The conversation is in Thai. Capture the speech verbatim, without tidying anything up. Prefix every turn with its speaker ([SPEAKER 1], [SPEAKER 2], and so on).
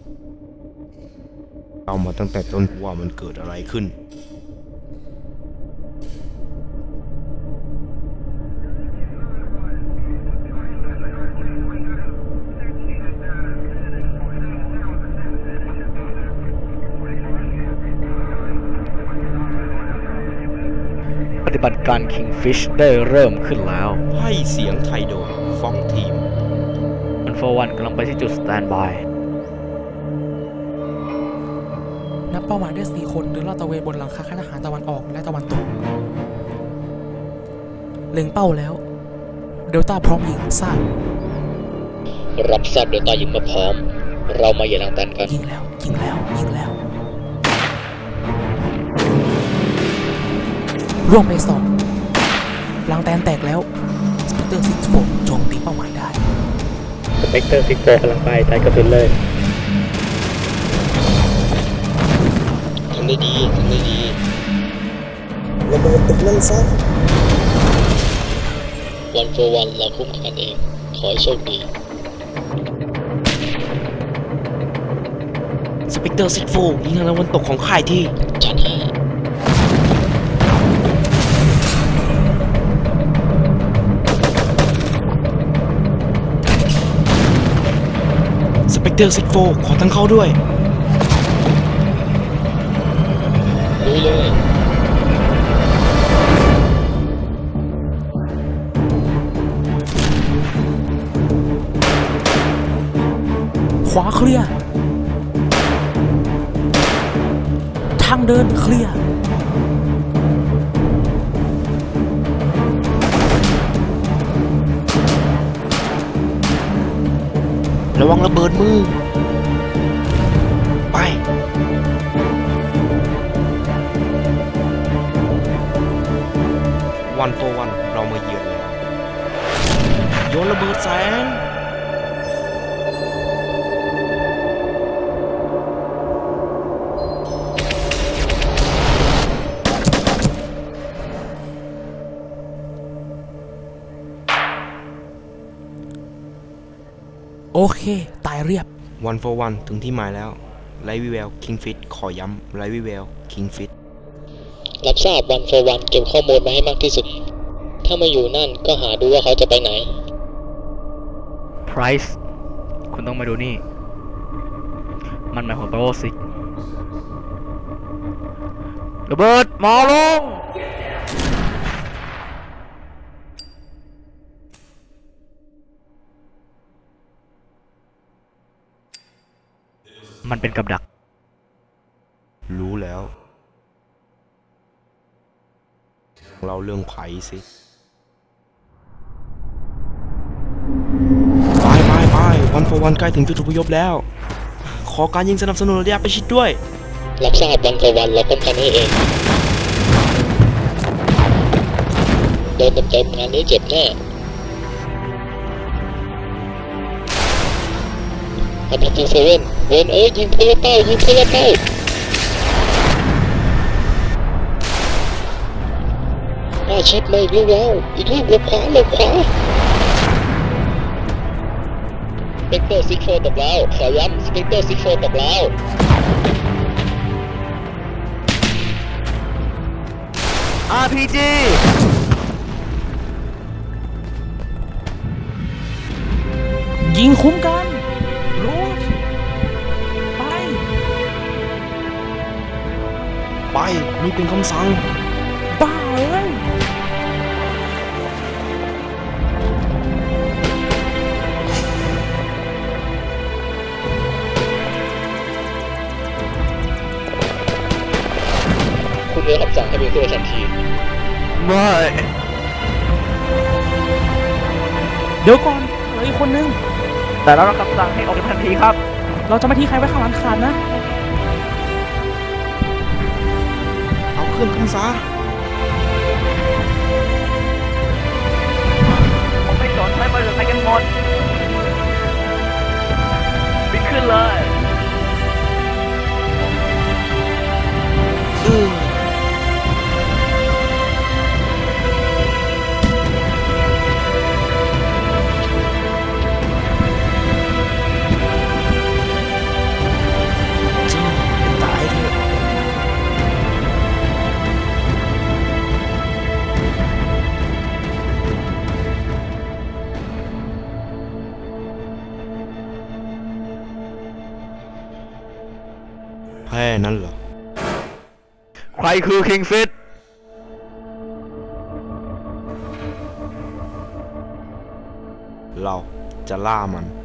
[SPEAKER 1] เอามาตั้งแต่ต้นว่ามันเกิดอะไรขึ้น
[SPEAKER 2] ปฏิบัติการ Kingfish ได้เริ่มขึ้นแล้ว
[SPEAKER 1] ให้เสียงไทยโดยฟองทีม
[SPEAKER 2] วันโฟวันกำลังไปที่จุดสแตนบาย
[SPEAKER 3] นับเป้าหมายได้สี่คนเดินลาดตระเวนบนหลังคาค่ายทหารตะวันออกและตะวันตกเล็งเป้าแล้วเดลต้าพร้อมยิงทราบ
[SPEAKER 2] รับทราบเดลต้ายิงมาพร้อมเรามาอย่าลังตันกัน
[SPEAKER 3] ยิงแล้วยิงแล้วยิงแล้วร่วงไปสองลังแตนแตกแล้วสเปกเตอร์ซิกโฟโจมตีเป้าหมายได้
[SPEAKER 2] สเปกเตอร์ซิกโฟกำลังไปใช้กระสุนเลย
[SPEAKER 1] ทำได้ดีทำได้ดี
[SPEAKER 4] ระเบิดตึกนั่นซะ
[SPEAKER 2] วันโฟวันเราคุ้มกันเองขอให้โชคดี
[SPEAKER 1] สเปกเตอร์ซิกโฟยิงทางตะวันตกของค่ายที่
[SPEAKER 2] จัดให้
[SPEAKER 1] สเปกเตอร์ซิกโฟขอทั้งเข้าด้วย
[SPEAKER 2] ลุยเลย
[SPEAKER 3] ขวาเคลียร์ทางเดินเคลียร์
[SPEAKER 1] ระวังระเบิดมือไปวันโฟวันเรามาเยือนแล้วโยนระเบิดแสง
[SPEAKER 3] โอเคตายเรียบ
[SPEAKER 1] วันโฟวันถึงที่หมายแล้วไลท์วิเวลคิงฟิตขอย้ำไลท์วิเวลคิงฟิต
[SPEAKER 2] รับทราบวันโฟวันเก็บข้อมูลมาให้มากที่สุดถ้ามาอยู่นั่นก็หาดูว่าเขาจะไปไหนไพรซ์คุณต้องมาดูนี่มันหมายความว่าโอซิกระเบิดหมอลงมันเป็นกับดัก
[SPEAKER 1] รู้แล้วเราเรื่องไผ่สิไปไปไปวันพอวันใกล้ถึงจุดอพยพแล้วขอการยิงสนับสนุนระยะประชิดด้วย
[SPEAKER 2] รับทราบวันต่อวันเราป้องกันให้เองโดนเต็มๆงานนี้เจ็บแน่อันดับที่เซเว่นเวนเอ้ยยิงเพื่อเป้ายิงเพื่อเป้าน่าชิดมาอีกลูกแล้วอีกลูกหลบขวาหลบขวาสเปกเตอร์ซิกโฟตกแล้วขอย้ำสเปกเตอร์ซิกโฟตกแล้วอาร์ พี จี
[SPEAKER 3] ยิงคุ้มกันรู้ไป
[SPEAKER 1] ไปนี่เป็นคำสั่ง
[SPEAKER 3] บ้าเลย
[SPEAKER 2] คุณได้รับสั่งให้ไปตัวทันที
[SPEAKER 1] ไม่
[SPEAKER 3] เดี๋ยวก่อนเหลืออีกคนนึง
[SPEAKER 2] แต่เรารับคำสั่งให้ออกทันทีครับ
[SPEAKER 3] เราจะไม่ทิ้งใครไว้ข้างหลังขาดนะ
[SPEAKER 1] เอาเครื่องขึ้นซะ
[SPEAKER 2] ผมไม่สนใช้บริษัทใครกันหมดบินขึ้นเลย
[SPEAKER 1] อือแค่นั้นเหรอ
[SPEAKER 2] ใครคือคิงฟิต
[SPEAKER 1] เราจะล่ามัน